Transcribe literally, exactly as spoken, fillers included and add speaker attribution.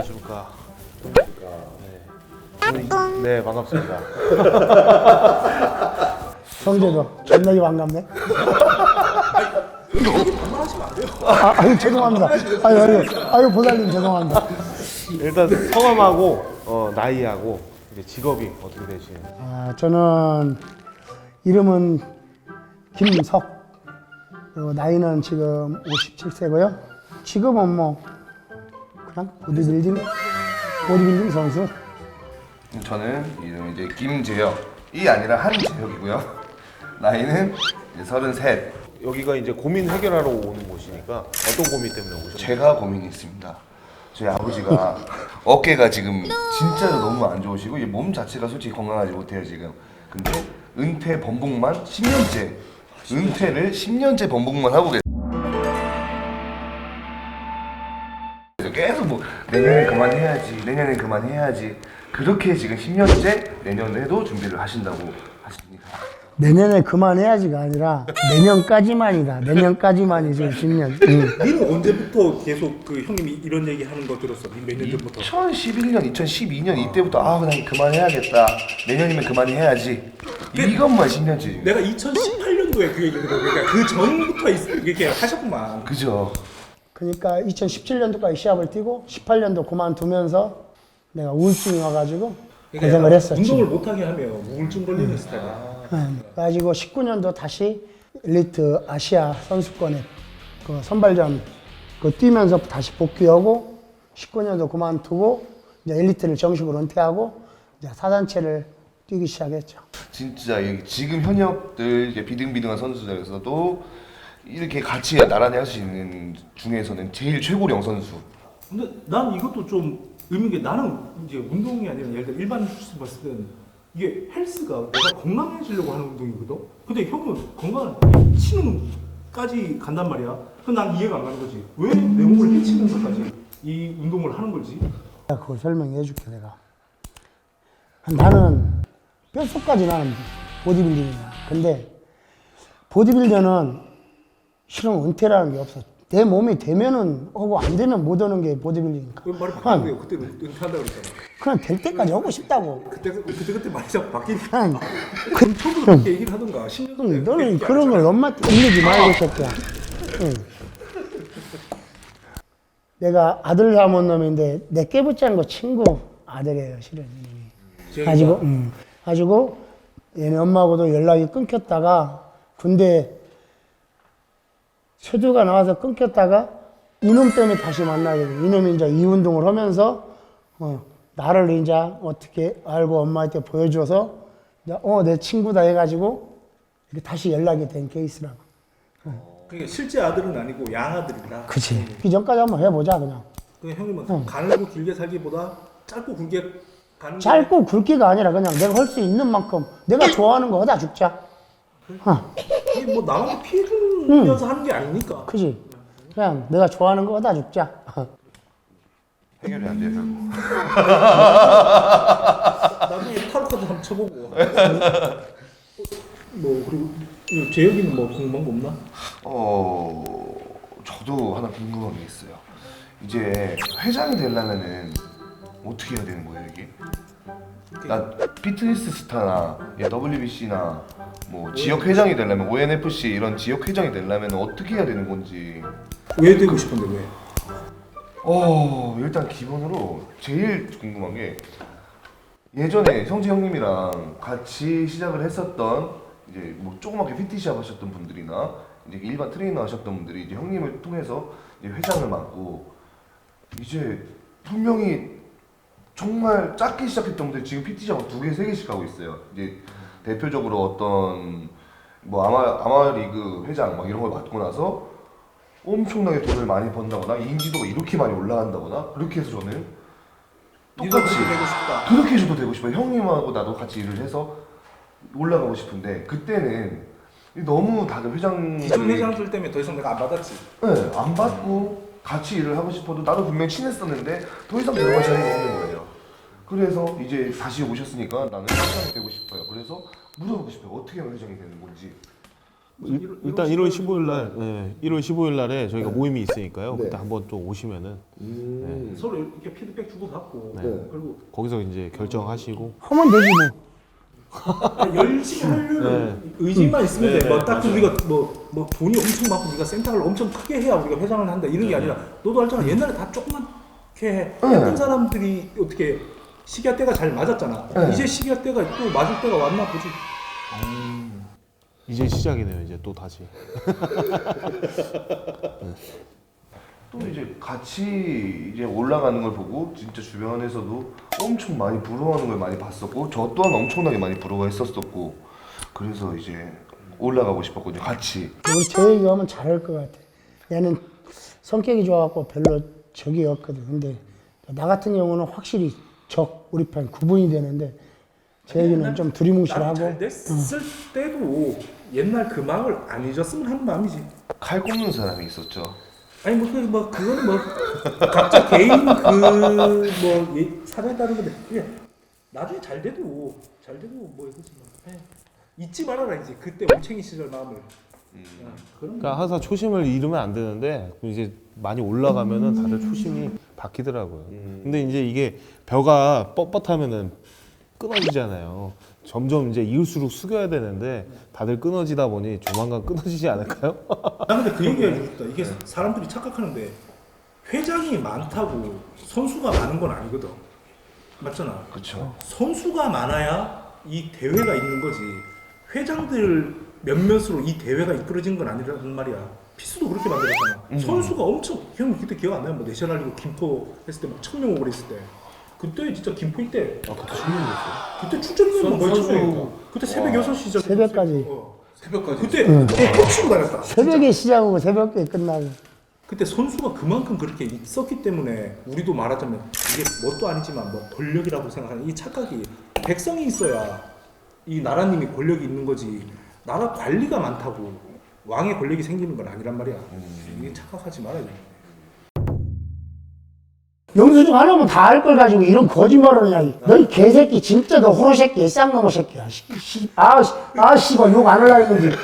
Speaker 1: 안녕하십니까. 네, 네 반갑습니다.
Speaker 2: 성재도 존나게 반갑네.
Speaker 3: 반말하시면 안 돼요.
Speaker 2: 아, 아유 죄송합니다. 아유 아유 아유 보살님 죄송합니다.
Speaker 1: 일단 성함하고 어, 나이하고 이제 직업이 어떻게 되시나요?
Speaker 2: 아 저는 이름은 김석. 그리고 나이는 지금 오십칠 세고요. 직업은 뭐 그냥 보디빌딩 보디빌딩 선수.
Speaker 3: 저는 이름 이제 김재혁이 아니라 한재혁이고요. 나이는 이제 서른셋.
Speaker 1: 여기가 이제 고민 해결하러 오는 곳이니까 어떤 고민 때문에 오셨나요?
Speaker 3: 제가 고민이 있습니다. 저희 아버지가 어깨가 지금 진짜로 너무 안 좋으시고 이몸 자체가 솔직히 건강하지 못해요 지금. 근데 은퇴 번복만 십 년째 은퇴를 십 년째 번복만 하고 계세요. 계속 뭐 내년에 그만해야지 내년에 그만해야지 그렇게 지금 십 년째 내년에도 준비를 하신다고 하십니다.
Speaker 2: 내년에 그만해야지가 아니라 내년까지만이다. 내년까지만이 지금 십 년. 응.
Speaker 4: 니는 언제부터 계속 그 형님이 이런 얘기 하는 거 들었어? 몇 년 전부터?
Speaker 3: 이천십일 년, 이천십이 년 이때부터 아 그냥 그만해야겠다. 내년이면 그만해야지. 이것만 십 년째 지금.
Speaker 4: 내가 이천십팔 년도에 그 얘기를 들어. 그러니까 그 전부터 있- 이렇게 하셨구만.
Speaker 3: 그죠.
Speaker 2: 그러니까 이천십칠 년도까지 시합을 뛰고 십팔 년도 그만두면서 내가 우울증이 와가지고 고생을 했었지.
Speaker 4: 운동을 못하게 하면 우울증 걸리는 스타일이야.
Speaker 2: 응. 그래가지고 십구 년도 다시 엘리트 아시아 선수권에 그 선발전 그 뛰면서 다시 복귀하고 십구 년도 그만두고 이제 엘리트를 정식으로 은퇴하고 이제 사단체를 뛰기 시작했죠.
Speaker 3: 진짜 이- 지금 현역들 이제 비등비등한 선수들에서도 이렇게 같이 나란히 할 수 있는 중에서는 제일 최고령 선수.
Speaker 4: 근데 난 이것도 좀 의미인 게 나는 이제 운동이 아니라 예를 들어 일반 수술 봤을 때는 이게 헬스가 내가 건강해지려고 하는 운동이거든? 근데 형은 건강을 해치는까지 간단 말이야. 그럼 난 이해가 안 가는 거지. 왜 내 몸을 해치면서까지 이 운동을 하는 거지?
Speaker 2: 내가 그걸 설명해 줄게 내가. 나는 뼛속까지 나는 보디빌딩이야. 근데 보디빌더는 실은 은퇴라는 게 없어. 내 몸이 되면은 하고 안 되면 못 하는 게 보디빌딩이니까.
Speaker 4: 그 말이 바뀌고요. 그때 은퇴한다고 그랬잖아.
Speaker 2: 그냥 될 때까지 하고 싶다고.
Speaker 4: 그때 그때 그때 말이 자꾸 바뀌니까.
Speaker 2: 그냥
Speaker 4: 그럼 처음부터 그렇게 얘기를 하던가. 십 년 전에
Speaker 2: 응, 너는
Speaker 4: 그렇게
Speaker 2: 그런 걸 엄마한테 일리지 말고 새끼야. 응. 내가 아들 낳은 놈인데 내 깨부짠 거 친구 아들이에요 실은.
Speaker 4: 제가
Speaker 2: 가지고 음, 가지고 얘네 엄마하고도 연락이 끊겼다가 군대 세두가 나와서 끊겼다가 이놈 때문에 다시 만나게 돼. 이놈이 이제 이 운동을 하면서 어, 나를 이제 어떻게 알고 엄마한테 보여줘서 이제 어, 내 친구다 해가지고 이렇게 다시 연락이 된 케이스라고.
Speaker 4: 그러니까 실제 아들은 아니고 양아들이다.
Speaker 2: 그치. 그 전까지 한번 해보자 그냥.
Speaker 4: 그 형님은 가늘고 길게 살기보다 짧고 굵게 가는 게
Speaker 2: 짧고 굵기가 아니라 그냥 내가 할 수 있는 만큼 내가 좋아하는 거 하다 죽자. 어,
Speaker 4: 이게 뭐 남한테 피해 주면서 하는 게 아니니까.
Speaker 2: 그지. 그냥 내가 좋아하는 거 하다 죽자.
Speaker 3: 해결이 안 돼요 결국.
Speaker 4: 나중에 타로 카드 한번 쳐보고. 뭐 그리고 재혁이는 뭐 궁금한 거 없나?
Speaker 3: 어 저도 하나 궁금한 게 있어요. 이제 회장이 되려면은 어떻게 해야 되는 거예요 이게? 나 피트니스 스타나 더블유비씨나 뭐 지역 회장이 되려면 오엔에프씨 이런 지역 회장이 되려면 어떻게 해야 되는 건지.
Speaker 4: 왜 되고 싶은데 왜?
Speaker 3: 어 일단 기본으로 제일 궁금한 게 예전에 성재 형님이랑 같이 시작을 했었던 이제 뭐 조그맣게 피티샵 하셨던 분들이나 이제 일반 트레이너 하셨던 분들이 이제 형님을 통해서 이제 회장을 맡고 이제 분명히 정말 작게 시작했던 분들이 지금 피티샵을 두 개, 세 개씩 하고 있어요. 이제 대표적으로 어떤 뭐 아마 아마 리그 회장 막 이런 걸 맡고 나서 엄청나게 돈을 많이 번다거나 인지도가 이렇게 많이 올라간다거나 그렇게 해서 저는 똑같이
Speaker 4: 이거 되고 싶다.
Speaker 3: 그렇게 해줘도 되고 싶어요. 형님하고 나도 같이 일을 해서 올라가고 싶은데 그때는 너무 다들 회장들이
Speaker 4: 기존 회장들 때문에 더 이상 내가 안 받았지.
Speaker 3: 네, 안 받고 같이 일을 하고 싶어도 나도 분명히 친했었는데 더 이상 들어갈 자리가 없는 거예요. 그래서 이제 다시 오셨으니까 나는 회장이 되고 싶어요. 그래서 물어보고 싶어요. 어떻게 하면 회장이 되는 건지.
Speaker 1: 일, 일단 일월 십오일 날, 네, 일월 십오일 날에 저희가 모임이 있으니까요.
Speaker 3: 네.
Speaker 1: 그때 한번 또 오시면은
Speaker 3: 음.
Speaker 4: 서로 이렇게 피드백 주고 받고
Speaker 1: 네.
Speaker 4: 그리고
Speaker 1: 거기서 이제 결정하시고.
Speaker 2: 하면 되지 뭐.
Speaker 4: 열심히 하려는 의지만 있으면 돼. 뭐딱 우리가 뭐, 뭐 돈이 엄청 많고 네가 센터를 엄청 크게 해야 우리가 회장을 한다 이런 게 아니라 너도 알잖아. 옛날에 다 조그맣게 해. 했던 사람들이 어떻게 시기와 때가 잘 맞았잖아. 이제 시기와 때가 또 맞을 때가 왔나 보지.
Speaker 1: 이제 시작이네요. 이제 또 다시.
Speaker 3: 또 이제 같이 이제 올라가는 걸 보고 진짜 주변에서도 엄청 많이 부러워하는 걸 많이 봤었고 저 또한 엄청나게 많이 부러워했었었고 그래서 이제 올라가고 싶었거든요. 같이.
Speaker 2: 우리 제이가 하면 잘할 것 같아. 얘는 성격이 좋아갖고 별로 적이 없거든. 근데 나 같은 경우는 확실히 적 우리 편 구분이 되는데 제이는 좀 두리뭉실하고.
Speaker 4: 잘 됐을 때도 옛날 그 마음을 안 잊었으면 하는 마음이지.
Speaker 3: 칼 꼽는 사람이 있었죠.
Speaker 4: 아니 뭐, 그, 뭐 그거는 뭐 각자 개인 그뭐 사정에 따른 건데 그냥 나중에 잘 돼도 잘 돼도 뭐 이거지 뭐. 예. 잊지 말아라 이제 그때 올챙이 시절 마음을. 음. 그런
Speaker 1: 그러니까 항상 초심을 잃으면 안 되는데 이제 많이 올라가면은 다들 초심이 바뀌더라고요. 근데 이제 이게 벼가 뻣뻣하면은 끊어지잖아요. 점점 이제 이을수록 숙여야 되는데 다들 끊어지다 보니 조만간 끊어지지 않을까요?
Speaker 4: 나 근데 그 얘기 해주고 싶다. 이게 사람들이 착각하는데 회장이 많다고 선수가 많은 건 아니거든. 맞잖아.
Speaker 3: 그렇죠.
Speaker 4: 선수가 많아야 이 대회가 있는 거지. 회장들 몇몇으로 이 대회가 이끌어진 건 아니란 말이야. 피스도 그렇게 만들었잖아. 선수가 엄청 형 그때 기억 안 나요? 뭐 내셔널리그 김포 했을 때 막 천 명 오고 그랬을 때. 그때 진짜 김포 이때
Speaker 3: 아 그때 천 명이었어.
Speaker 4: 그때 출전료는 거의
Speaker 3: 선수-
Speaker 4: 천 명이고 그때 새벽 여섯 시 시작.
Speaker 2: 새벽까지.
Speaker 4: 어.
Speaker 3: 새벽까지.
Speaker 4: 그때 그때 톡치고 다녔다.
Speaker 2: 새벽에 시작하고 새벽에 끝나고.
Speaker 4: 그때 선수가 그만큼 그렇게 있었기 때문에 우리도 말하자면 이게 뭣도 아니지만 뭐 권력이라고 생각하는 이 착각이 백성이 있어야 이 나라님이 권력이 있는 거지 나라 관리가 많다고 왕의 권력이 생기는 건 아니란 말이야. 이게 착각하지 말아야 돼.
Speaker 2: 영수증 하나면 다 알 걸 가지고 이런 거짓말을 하냐. 너희 개새끼 진짜 너 호로 새끼 쌍놈의 새끼야. 씨, 씨, 아, 씨, 아, 씨발 욕 안 하려고 했는지.